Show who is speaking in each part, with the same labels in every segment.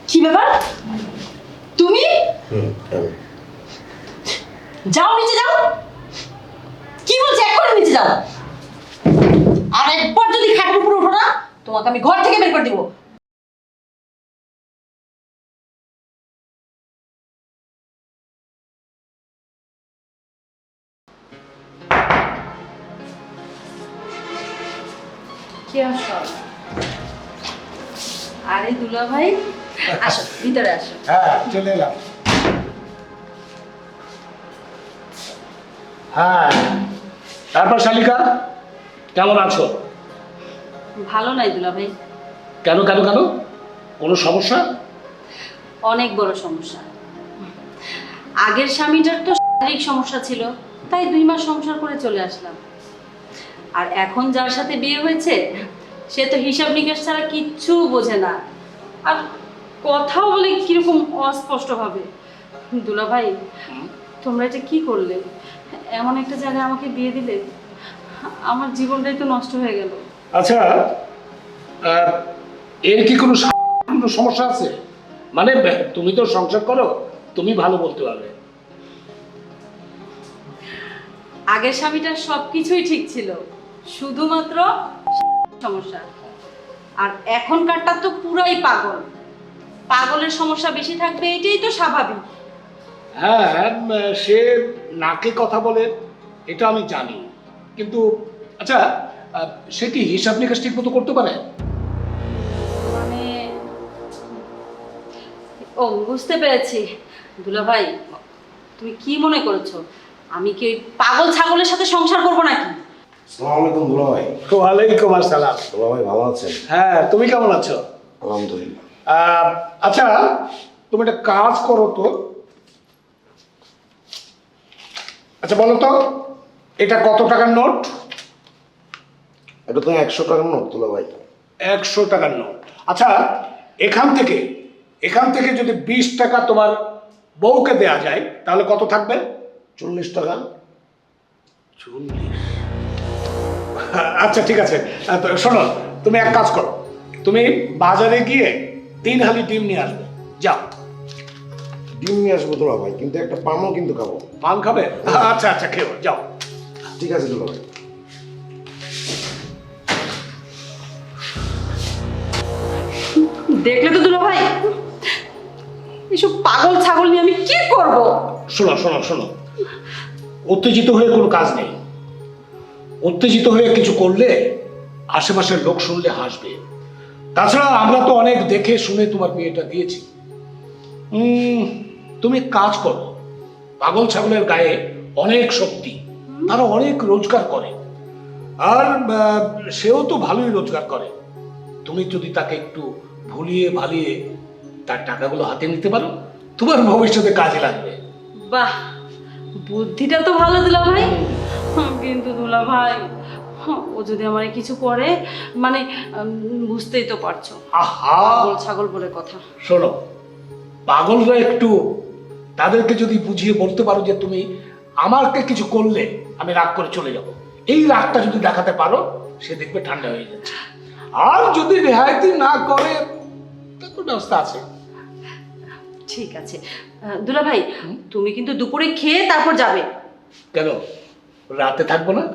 Speaker 1: কি ব্যাপার? তুমি যাও, নিচে যাও। কি বলছি, এক্ষুনি নিচে যাও। আর একবার যদি খাটের উপরে উঠো না, তোমাকে আমি ঘর থেকে বের করে দিব। কি আসো? আরে দুলা ভাই, আসো ভিতরে আসো।
Speaker 2: হ্যাঁ, চলে এলাম। হ্যাঁ, তারপর শালিকা কেমন আছো?
Speaker 1: ভালো নাই দুলা ভাই।
Speaker 2: কেন কেন কেন? কোনো সমস্যা?
Speaker 1: অনেক বড় সমস্যা। আগের স্বামীটার তো শারীরিক সমস্যা ছিল, তাই 2 মাস সংসার করে চলে আসলাম। আর এখন যার সাথে বিয়ে হয়েছে, সে তো হিসাব নিকাশ ছাড়া কিচ্ছু বোঝে না, আর কথাও বলে কিরকম অস্পষ্ট ভাবে। দুলা ভাই, তোমরা এটা কি করলে? এমন একটা জায়গায় আমাকে বিয়ে দিলে, আমার জীবনটাই তো নষ্ট হয়ে গেল।
Speaker 2: আচ্ছা, আহ, এর কি কোনো সমস্যা আছে? মানে তুমি তো সংসার করো, তুমি ভালো বলতে পারবে।
Speaker 1: আগের স্বামীটার সবকিছুই ঠিক ছিল, শুধুমাত্র সমস্যা। আর এখনকারটা তো পুরাই পাগল। পাগলের সমস্যা বেশি থাকবে, এটাই তো স্বাভাবিক।
Speaker 2: হ্যাঁ, সে নাকে কথা বলে, এটা আমি জানি, কিন্তু আচ্ছা, সে কি হিসাব নিকাশ ঠিক মতো করতে পারে?
Speaker 1: মানে, ও বুঝতে পেরেছি। দুলা ভাই, তুমি কি মনে করেছো আমি কি ওই পাগল ছাগলের সাথে সংসার করবো নাকি?
Speaker 3: আসসালামু আলাইকুম দুলা ভাই।
Speaker 2: ওয়ালাইকুম আসসালাম।
Speaker 3: দুলা ভাই ভালো আছেন?
Speaker 2: হ্যাঁ, তুমি কেমন আছো?
Speaker 3: আলহামদুলিল্লাহ।
Speaker 2: আচ্ছা, তুমি একটা কাজ করো তো। আচ্ছা বলো তো, এটা কত টাকার নোট?
Speaker 3: এটা তো 100 টাকার নোট দুলা ভাই।
Speaker 2: 100 টাকার নোট। আচ্ছা, এখান থেকে যদি 20 টাকা তোমার বউকে দেয়া যায়, তাহলে কত থাকবে?
Speaker 3: 40 টাকা।
Speaker 2: 40? আচ্ছা ঠিক আছে। তো শোনো, তুমি এক কাজ করো, তুমি বাজারে গিয়ে 3 হালি ডিম নিয়ে আসবে, যাও।
Speaker 3: ডিম নিয়ে আসবো দুলা ভাই, কিন্তু একটা পানও কিন্তু খাবো।
Speaker 2: পান খাবে? আচ্ছা আচ্ছা, খেও, যাও।
Speaker 3: ঠিক আছে দুলা ভাই।
Speaker 1: দেখলে তো দুলা ভাই, এসব পাগল ছাগল নিয়ে আমি কি করব?
Speaker 2: শোনো শোনো শোনো, উত্তেজিত হয়ে কোনো কাজ নেই। উত্তেজিত হয়ে কিছু করলে আশেপাশের লোক শুনলে হাসবে। তাছাড়া আমরা তো অনেক দেখে শুনে তোমার বিয়েটা দিয়েছি। তুমি কাজ করো, পাগল ছাগলের গায়ে অনেক শক্তি, তারা অনেক রোজগার করে, আর সেও তো ভালোই রোজগার করে। তুমি যদি তাকে একটু ভুলিয়ে ভালিয়ে তার টাকাগুলো হাতে নিতে পারো, তোমার ভবিষ্যতে কাজে লাগবে।
Speaker 1: বাহ, বুদ্ধিটা তো ভালো দুলা ভাই। কিন্তু দুলা ভাই, ও যদি আমার কিছু করে, মানে বুঝতেই তো পারছো,
Speaker 2: আহা,
Speaker 1: পাগল ছাগল বলে কথা।
Speaker 2: শোনো, পাগলরা একটু, তাদেরকে যদি বুঝিয়ে বলতে পারো যে তুমি আমাকে কিছু করলে আমি রাগ করে চলে যাব, এই রাগটা যদি দেখাতে পারো, সে দেখবে ঠান্ডা হয়ে যাচ্ছে। আর যদি রেহাইতি না করে, তারপর ব্যবস্থা আছে।
Speaker 1: ঠিক আছে দুলা ভাই, তুমি কিন্তু দুপুরে খেয়ে তারপর যাবে।
Speaker 2: কেন, রাতে থাকবো না?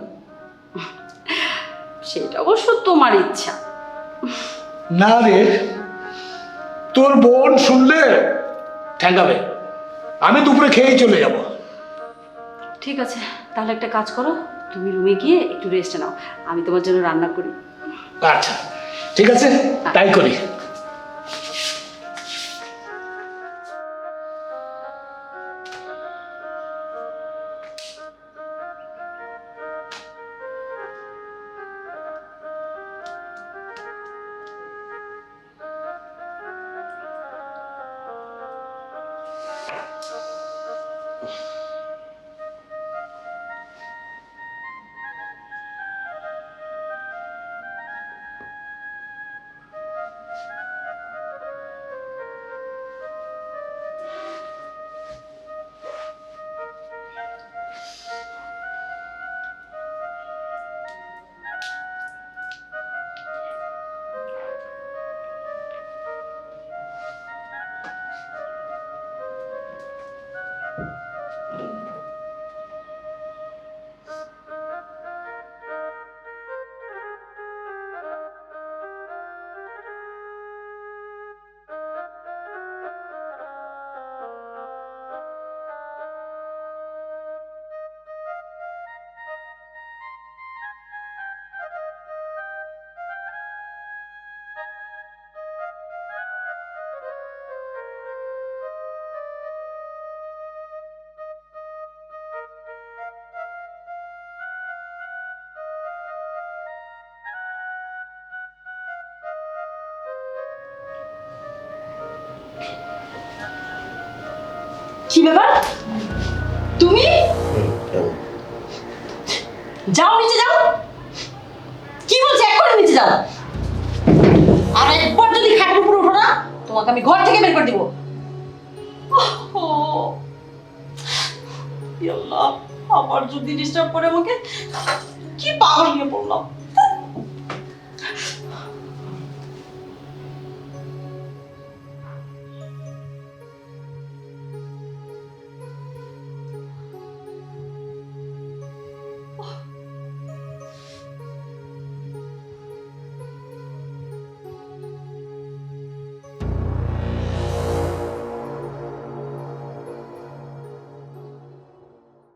Speaker 1: সেটা অবশ্য তোমার ইচ্ছা।
Speaker 2: না রে, তোর বোন শুনলে ঠ্যাঙ্গাবে। আমি দুপুরে খেয়েই চলে যাব।
Speaker 1: ঠিক আছে, তাহলে একটা কাজ করো, তুমি রুমে গিয়ে একটু রেস্ট নাও, আমি তোমার জন্য রান্না করি।
Speaker 2: আচ্ছা ঠিক আছে, তাই করি।
Speaker 1: কি ব্যাপার? তুমি যাও, নিচে যাও। কি বলছি, এক্ষুনি নিচে যাও। আর একবার যদি খাটের উপরে ওঠো না, তোমাকে আমি ঘর থেকে বের করে দিব। আল্লাহ, আবার যদি ডিস্টার্ব করে আমাকে, কি পাগল নিয়ে পড়লাম।